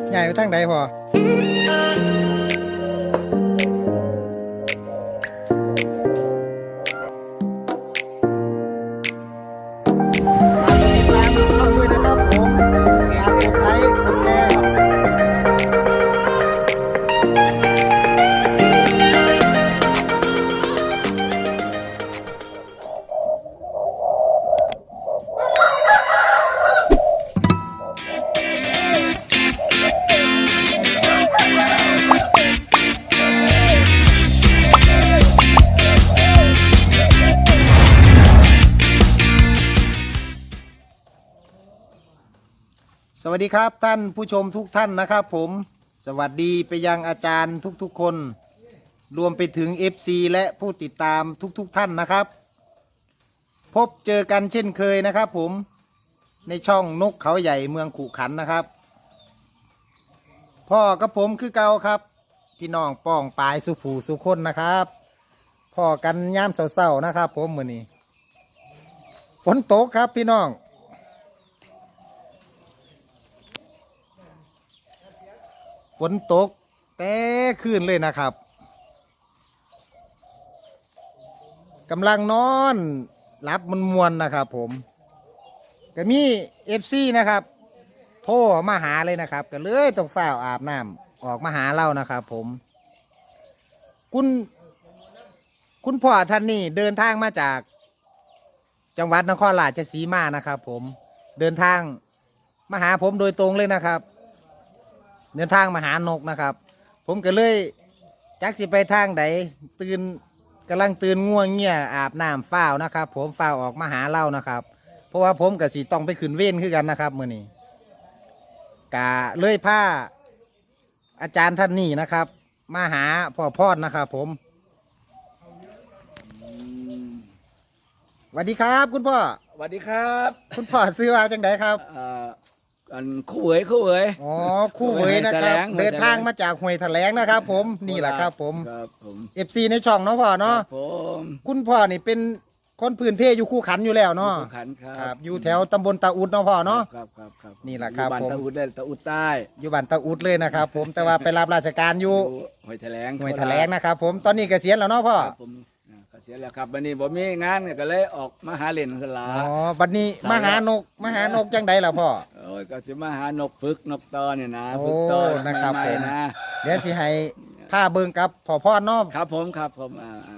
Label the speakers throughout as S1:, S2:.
S1: ใหญ่ไปทางใดพอสวัสดีครับท่านผู้ชมทุกท่านนะครับผมสวัสดีไปยังอาจารย์ทุกๆคนรวมไปถึง FC และผู้ติดตามทุกท่านนะครับพบเจอกันเช่นเคยนะครับผมในช่องนกเขาใหญ่เมืองขุขันธ์นะครับพ่อกับผมคือเก่าครับพี่น้องป้องปายสุผูสุคนนะครับพ่อกันย่ามเศร้าๆนะครับผมมื้อนี้ฝนตกครับพี่น้องฝนตกแต่คืนเลยนะครับกำลังนอนรับมันมวนนะครับผมก็มีFCนะครับโทรมาหาเลยนะครับก็เลยต้องฝ้าวอาบน้ำออกมาหาเรานะครับผมคุณพ่อท่านนี้เดินทางมาจากจังหวัดนครราชสีมานะครับผมเดินทางมาหาผมโดยตรงเลยนะครับเดินทางมาหานกนะครับผมก็เลยจักสิไปทางใดกำลังตื่นง่วงเงี้ยอาบน้ำฝ้าวนะครับผมฝ้าวออกมาหาเล่านะครับเพราะว่าผมกับสีต้องไปขึ้นเว้นขึ้นกันนะครับมื้อนี้กะเลยพาอาจารย์ท่านนี้นะครับมาหาพ่อพอดนะครับผมสวัสดีครับคุณพ่อ
S2: สวัสดีครับ
S1: คุณพ่อซื้อมาจังไดครับ
S2: อันคู่เหวย
S1: อ๋อคู่เหวยนะครับเดินทางมาจากห้วยแถลงนะครับผมนี่แหละครับผมFC ในช่องเนาะพ่อเนาะคุณพ่อนี่เป็นคนพื้นเพอยู่คู่ขันอยู่แล้วเนาะ
S2: คู่ขัน
S1: ครับอยู่แถวตำบลตาอุดเนาะพ่อเนาะ
S2: ครับ
S1: นี่แหละครับผม
S2: ตาอุดได้ตาอุดใต้
S1: อยู่บ้านตาอุดเลยนะครับผมแต่ว่าไปรับราชการอยู่
S2: ห้วยแถลง
S1: นะครับผมตอนนี้เกษียณแล้วเนาะพ่อ
S2: ผมเกษียณแล้วครับวันนี้ผมมีงานก็เลยออกมาหาเล่นสลา
S1: อ๋อวันนี้มาหานกจังใดล่ะพ่อ
S2: โอ้ยก็จะมาหานกฝึกนกตอเนี่ยนะ
S1: ฝึกตอนะครับผมเดี๋ยวสิให้ผ้าเบิ่งกับพ่อพ่อเนาะ
S2: ครับผมครับผม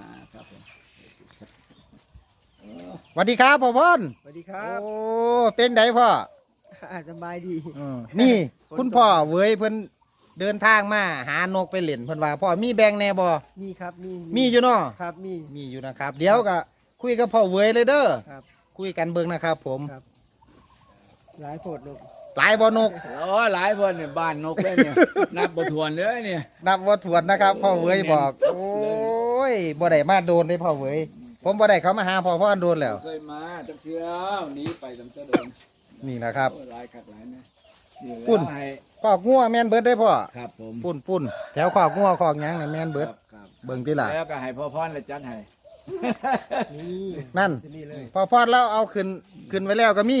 S1: สวัสดีครับพ่อพ่อน
S3: สวัสดีครับ
S1: โอ้เป็นไดพ่อ
S3: สบายดี
S1: นี่คุณพ่อเว้ยเพิ่นเดินทางมาหานกไปเล่นเพิ่นว่าพ่อมีแบ่งแน่บ่
S3: มีครับ
S1: มีอยู่เนาะ
S3: ครับ
S1: มีอยู่นะครับเดี๋ยวก็คุยกับพ่อเว้ยเลยเด้อครับคุยกันเบิ่งนะครับผม
S3: หลายโพดนก
S1: หลายบ่นก
S2: โอ้หลายคนเนี่ยบ้านนกเลยเนี่ยนับบ่ถ้วนเลยเนี่ย
S1: นับบ่ถ้วนนะครับพ่อเว้ยบอกโอ้ยบ่ได้มาโดนเลยพ่อเว้ยผมบ่ได้เขามาหาพ่อพ่อโดนแล้ว
S2: เคยมาจังเที่ยวหนีไปจังจะโดน
S1: นี่นะครับ
S2: หลายครับหลายนะ
S1: ปุ่นขอกงัวแม่นเบิดได้พ่อ
S2: ครับผม
S1: ปุ่นแถวขอกงัวขอกหยังนี่แม่นเบิดเบิ่งที่ล่ะ
S2: แล้วก็ให้พ่อพรเลยจัดให้
S1: นั่นพ่อพรแล้วเอาขึ้นไว้แล้วก็มี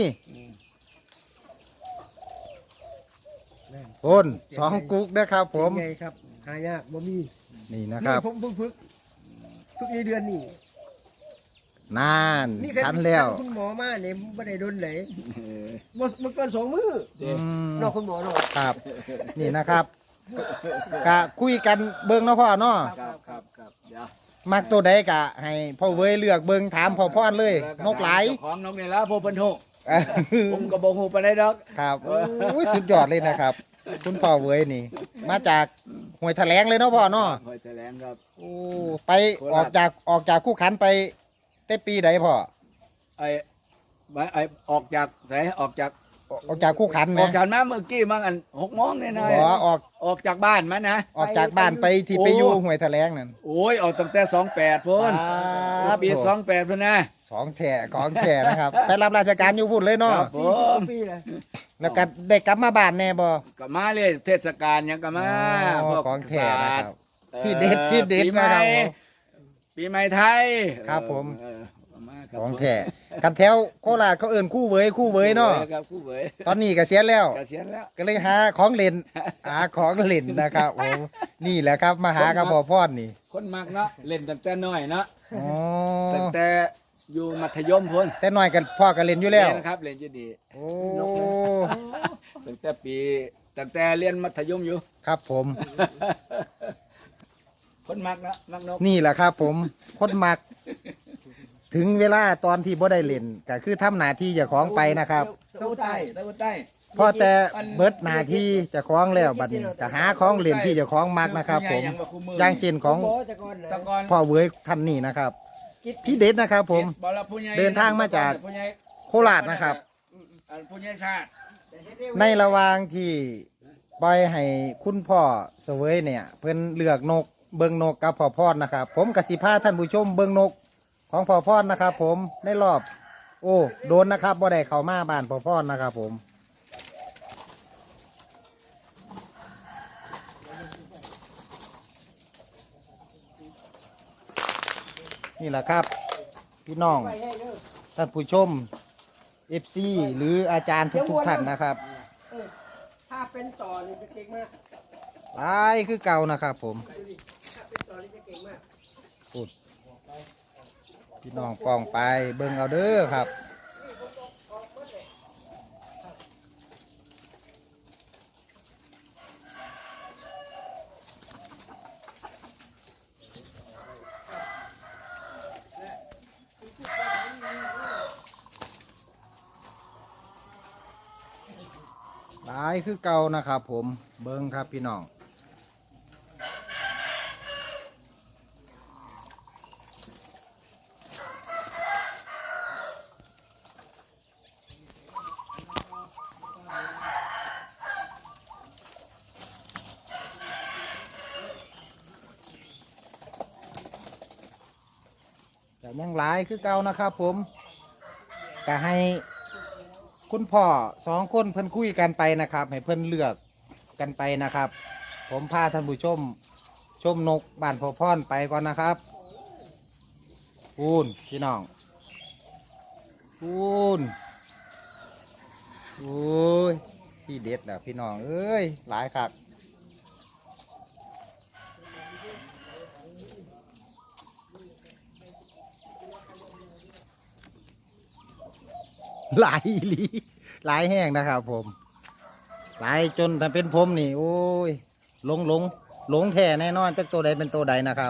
S1: ปุ่น2กุ๊กนะครับผม
S3: ไงครับหายากบ่มี
S1: นี่นะครับ
S3: ผมฝึกในเดือนนี้
S1: นานทันแล้ว
S3: คุณหมอมาเนี่ยไม่ได้โดนไหนมันเกิน2 มื้อนอกคุณหมอเนาะ
S1: ครับนี่นะครับกะคุยกันเบิ่งเนาะพ่อเนาะ
S2: ครับเดี๋ยว
S1: มักตัวใดกะให้พ่อเว้ยเลือกเบิ่งถามพ่อพ่อเลยนกหลาย
S2: ของนกนี่แล้วพ่อเพิ่นฮู้ผมก็บ่ฮู้ปานใดดอก
S1: ครับโอ้ยสุดยอดเลยนะครับคุณพ่อเว้ยนี่มาจากห้วยแถลงเลยเนาะพ่อเนาะ
S2: ห้วยแถลงครับ
S1: โอ้ไปออกจากคู่ขันไปแต่ปีใดพ่อ
S2: ไอ้ออกจากไหนออกจาก
S1: คู่ขัน
S2: ออกจากมาเมื่อกี้มั้งอัน6 โมงนี่นายออกจากบ้านมั้ยนะ
S1: ออกจากบ้านไปที่ไปอยู่ห้วยแถลงนั่น
S2: โอ้ยออกตั้งแต่28พุ่นปี28พุ่นนะ
S1: 2แถ่ของแถ่นะครับไปรับราชการอยู่พุ่นเลยเนาะ
S3: 40 ปีเลย
S1: แล้วก็ได้กลับมาบ้านแน่บ่
S2: กลับมาเลยเทศกาลยังกลับมา
S1: พวกของแถ่นะครับที่เด็ดนะครับ
S2: ปีใหม่ไทย
S1: ครับผม
S2: ครับ
S1: ของแท้กันแถวโคราชเขาเอิ้นคู่เวยเนาะ
S2: ครับคู่เวย
S1: ตอนนี้เกษียณแล้ว
S2: เกษียณแล้ว
S1: ก็เลยหาของเล่น หาของเล่นนะครับโอ้นี่แหละครับมาหากับพ่อพ่อนี่
S2: คนมักเนาะเล่นตั้งแต่น้อยเนาะ
S1: อ๋อ
S2: ตั้งแต่อยู่มัธยมพุ่น
S1: แต่น้อยกันพ่อก็เล่นอยู่แล้ว
S2: เล่นนะครับเล่นอยู่ดี
S1: โอ้
S2: ตั้งแต่เรียนมัธยมอยู่
S1: ครับผม
S2: คนมักเนาะมักนก
S1: นี่แหละครับผมคนมัก ถึงเวลาตอนที่บ่ได้เล่นก็คือทำหน้าที่เจ้าของไปนะครับ
S2: ตะวันใต้ตะวันใต้
S1: พอแต่เบิดหน้าที่เจ้าของแล้วบัดนี้ก็หาของเล่นที่เจ้าของมักนะครับ ผมอย่างเช่นของ
S3: บ่แต่ก่อนนะ
S2: ตะกอน
S1: พ่อเวยท่านนี่นะครับพี่เด็ดนะครับ ผม
S2: บอกแล้วผู้ใหญ่
S1: เดินทางมาจาก
S2: ผู้ใหญ่
S1: โคราชนะครับ
S2: ผู้ใหญ่ชาติ
S1: ในระหว่างที่ปล่อยให้คุณพ่อเสวยเนี่ย เพิ่นเลือกนกเบิงนกกับพ่อพอดนะครับ ผมกสิพาท่านผู้ชมเบิงนกของพ่อพอดนะครับ ผมในรอบ โอ้โดนนะครับบ่ได้เข้ามาบ้านพ่อพอดนะครับ ผมนี่แหละครับ พี่น้อง
S3: ไปให้เด้อ
S1: ท่านผู้ชม FC หรืออาจารย์ทุกๆท่านนะครับ
S3: เออถ้าเป็นต่อนี่จะเก่งมาก
S1: หลายคือเก่านะครับผม
S3: ดูดิถ้าเป็นต่อนี่จะเก่งมาก
S1: พูดพี่น้องปองไปเบิ่งเอาเด้อครับหลายคือเก่านะครับผมเบิ่งครับพี่น้องแต่ยังหลายคือเก่านะครับผมก็ให้คุณพ่อสองคนเพิ่นคุยกันไปนะครับ ให้เพิ่นเลือกกันไปนะครับ ผมพาท่านผู้ชม ชมนกบ้านพ่อพรไปก่อนนะครับปูนพี่น้องปูนโอ้ยพี่เด็ดแล้วพี่น้องเอ้ยหลายคักหลายอีหลีหลายแห้งนะครับผมหลายจนถ้าเป็นผมนี่โอ้ยหลงแท้แน่นอนจักตัวใดเป็นตัวใดนะครับ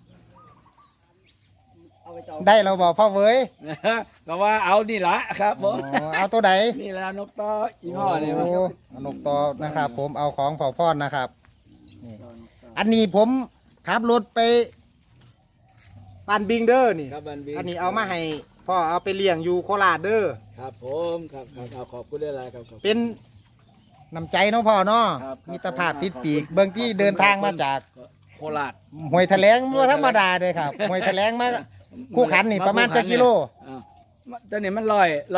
S3: เอาไปต่อ
S1: ได้เราบอกพ่อเว้ย
S2: ก็ว่าเอานี่ละครับผ
S1: อ๋
S2: ม
S1: อเอาตัวใด
S2: นี่แหละนกต่ออีพ่อเนี่ย
S1: โอ้เอานกต่อนะครับ ผมเอาของพ่อพอดนะครับนี่อันนี้ผมขับรถไปบ้านบิงเดอร์นี่
S2: ครับบันบี
S1: อันนี้เอามาให้พ่อเอาไปเลี้ยงอยู่โคราชเด้อ
S2: ครับผมครับเอาขอบคุณได้ไรครับขอบคุณ
S1: เป็นน้ำใจเนาะพ่อเนาะ
S2: ครับ
S1: มิตรภาพติดปีกเบื้องที่เดินทางมาจาก
S2: โคราช
S1: ห้วยแถลงว่าธรรมดาเลยครับห้วยแถลงมาคู่ขันนี่ประมาณจะกิโล
S2: อ้าวตอนนี้มัน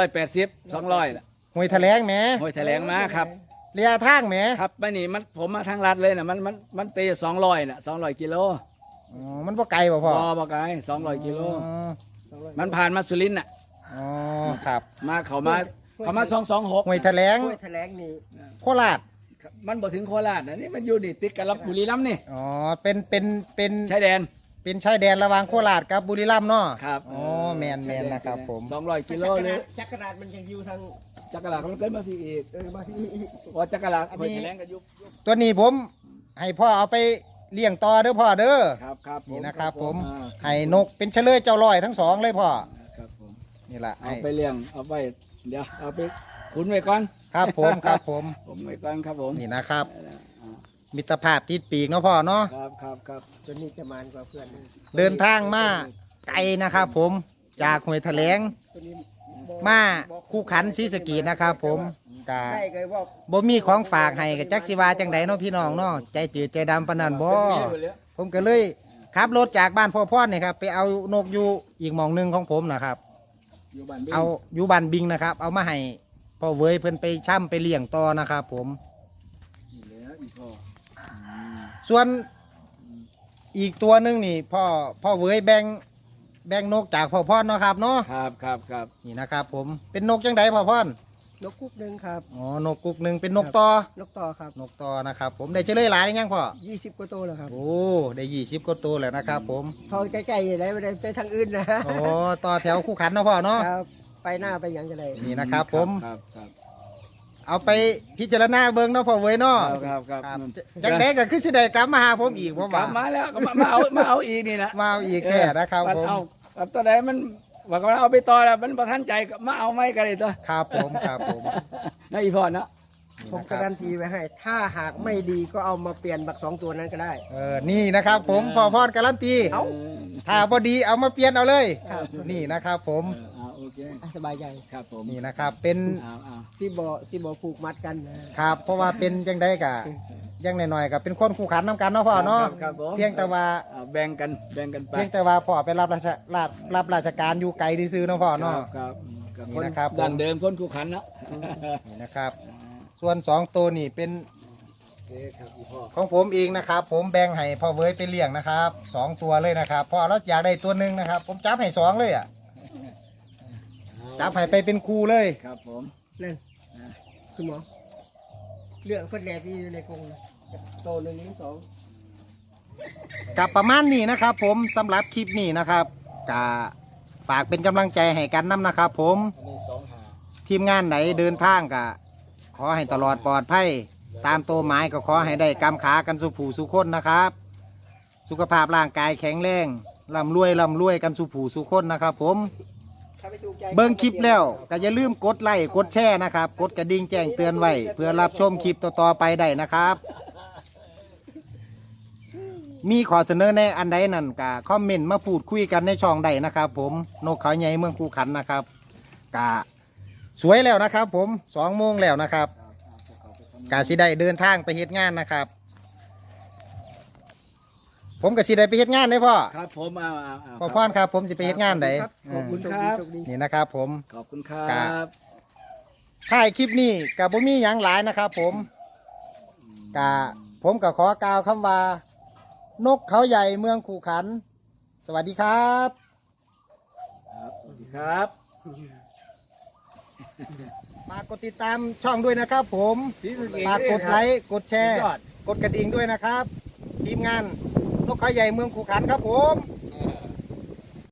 S2: 180 200ละ
S1: ห้วยแถลงแหม
S2: ห้วยแถลงมาครับ
S1: ระยะทางแหม
S2: ครับไม่นี่มันผมมาทางลัดเลยนะมันตี200น่ะ200 กิโล
S1: อ๋อมันบ่ไกลบ่พ่อ
S2: บ่ไกล200 กิโล
S1: อ๋อ
S2: มันผ่านมาสุรินทร์น่ะ
S1: อ๋อครับ
S2: มาเขามา226
S1: ห้วยแถลง
S3: ห้วยแถลงนี่
S1: โคราช
S2: มันบ่ถึงโคราชนะนี่มันอยู่นี่ติดกับลำบุรีรัมย์นี่
S1: อ๋อเป็น
S2: ชายแดน
S1: เป็นชายแดนระหว่างโคราชกับบุรีรัมย์เนาะ
S2: ครับ
S1: อ๋อแมนนะครับผม
S2: 200 กิโลเลย
S3: จักรราชมันยังอยู่ทาง
S2: จักรลามันเกินมาพี่อีก
S3: มาที่
S2: พอจักรลาห้วยแถลงก็ยุบ
S1: ตัวนี้ผมให้พ่อเอาไปเลี้ยงต่อเด้อพ่อเด้อ
S2: ครับ
S1: นี่นะครับผม
S2: อ่า
S1: ให้นกเป็นเฉลยเจ้าลอยทั้งสองเลยพ่อ
S2: ครับผม
S1: นี่แหละ
S2: เอา
S1: ให้
S2: ไปเลี้ยงเอาไปเดี๋ยวเอาไปขุนไว้ก่อน
S1: ครับผมครับผม
S2: ผมไว้ก่อนครับผม
S1: นี่นะครับ
S2: อ่า
S1: มิตรภาพติดปีกเนาะพ่อเนาะ
S2: ครับ
S3: ตัวนี้จะมานกว่าเพื่อน
S1: เดินทางมาไกลนะครับ ผมจากห้วยแถลง
S3: ตัวนี้
S1: มาคู่ขันศรีสะเกษนะครับ ผมกา
S3: ได้เลยว่า
S1: บ่มีของฝากให้กับจักสิวาจังไดเนาะพี่น้องเนาะใจจืดใจดำปานนั้นบ่ ผมก็เลยขับรถจากบ้านพ่อพ่อเนี่ยครับไปเอานกอยู่อีกหมองหนึงของผมนะครับ
S2: อยู่บ้านบิ้ง
S1: เอาอยู่บ้านบิงนะครับ เอามาให้พ่อเวยเพิ่นไปช่ำไปเลี้ยงต่อนะครับ ผม
S2: นี่แหล้วอีพ่ออืม
S1: ส่วนอีกตัวหนึงนี่พ่อเวยแบ่แบ่งนกจากพ่อพ่อนเนาะครับเนาะ
S2: ครับครับครับ
S1: นี่นะครับผมเป็นนกจังไดพ่อพ่อน
S3: นกกุ๊กหนึงครับ
S1: อ๋อนกกุกหนึ่งเป็นนกต่อน
S3: กต่อครับ
S1: นกต่อนะครับผมได้เฉลยหลายหรือยังพ่อ
S3: 20กว่าตัวแล้วครับ
S1: โอ้ได้20กว่าตัวแล้วนะครับผม
S3: ทองใกล้ๆได้ไม่ได้ไปทางอื่นนะ
S1: โอ้ต่อแถวคู่ขันเนาะพ่อเนาะ
S3: ครับไปหน้าไปหยังกันเลย
S1: นี่นะครับผม
S2: ครับครับ
S1: เอาไปพิจารณาเบิ่งเนาะพ่อเว้ยเนาะ
S2: ครับครับ
S1: ครับจังไดก็คือสิได้กลับมาหาผมอีกผม
S2: กลั
S1: ว่า
S2: บมาแล้วก็มาเอาอีกนี่แหละ
S1: มาเอาอีกแน่นะครับผม
S2: เอาครับตอนไหนมันว่าก็เอาไปต่อแล้วมันประทันใจก็มาเอาไม่กันเลยตัว
S1: ครับผมครับผม
S2: นะอีพ่อเนาะ
S1: นี่
S3: ผม
S1: นะค
S3: การั
S1: รับ
S3: นตีไว้ให้ ถ้าหากไม่ดีก็เอามาเปลี่ยนบัก2ตัวนั้นก็ได้
S1: นี่นะครับผมพ่อพรการันตี
S3: เอ้า
S1: ถ้าบ่ดีเอามาเปลี่ยนเอาเลย
S3: ครับ
S1: นี่นะครับผม
S2: โอเค
S3: สบายใจ
S2: ครับผม
S1: นี่นะครับเป็น
S2: เอา
S3: ที่บ่ผูกมัดกันนะครับ
S1: เพราะว่าเป็นจังไดกะยังหน่อยๆกับเป็นคนคู่ขันน้ำกันเนาะพ่อเนาะ
S2: ครับผม
S1: เพียงแต่ว่า
S2: แบ่งกันไป
S1: เพียงแต่ว่าพ่อไปรับราชการอยู่ไกลซื่อๆเนาะพ่อเนาะ
S2: ครับครับ
S1: นี่นะครับ
S2: ดันเดิมคนคู่ขันเนาะ
S1: นี่นะครับ ส่วน2ตัวนี่เป็น
S2: โอเคครับอีพ่อ
S1: ของผมเองนะครับ ผมแบ่งให้พ่อเว้ยไปเลี้ยงนะครับ2ตัวเลยนะครับพ่อเราอยากได้ตัวหนึ่งนะครับ ผมจับให้2เลยอ่ะจับให้ไปเป็นครูเลย
S2: ครับผม
S3: นั่นคุณหมอเลือกคนแรกที่อยู่ในกรงนะโต1 2
S1: กับประมาณนี้นะครับ ผมสำหรับคลิปนี้นะครับกะฝากเป็นกำลังใจให้กันน้ำนะครับ ผม
S2: อันนี้2 หา
S1: ทีมงานไหนเดินทางกะขอให้ตลอดปลอดภัยตามตัวหมายก็ขอให้ได้กำขากันสุผูสุคนนะครับ สุขภาพร่างกายแข็งแรงร่ำรวยกันสุผูสุคนนะครับ ผม
S3: ถ้าไม่ถูกใจ
S1: เบิ่งคลิปแล้วก็อย่าลืมกดไลค์กดแชร์นะครับ กดกระดิ่งแจ้งเตือนไว้เพื่อรับชมคลิปต่อๆไปได้นะครับ มีขอเสนอในอันใดนั่นก็คอมเมนต์มาพูดคุยกันในช่องใดนะครับ ผมนกเขาใหญ่เมืองคูขันนะครับกะสวยแล้วนะครับ ผม2 โมงแล้วนะครับกะสิได้เดินทางไปเฮ็ดงานนะครับ ผมกับสิได้ไปเฮ็ดงานได้พ่อ
S2: ครับผมเอา
S1: พ่อพรครับ ผมสิไปเฮ็ดงานได
S3: ขอบคุณครับ
S1: นี่นะครับ ผม
S2: ขอบคุณครับ
S1: ถ่ายคลิปนี้กับผมมีอย่างหลายนะครับ ผมผมก็ขอกล่าวคำว่า นกเขาใหญ่เมืองขู่ขัน สวัสดีครับ
S2: ครับสวัสดีครับ
S1: ฝากกดติดตามช่องด้วยนะครับ ผมฝากกดไลค์กดแชร์ กดกระดิ่งด้วยนะครับ ทีมงานนกเขาใหญ่เมืองขู่ขันครับผม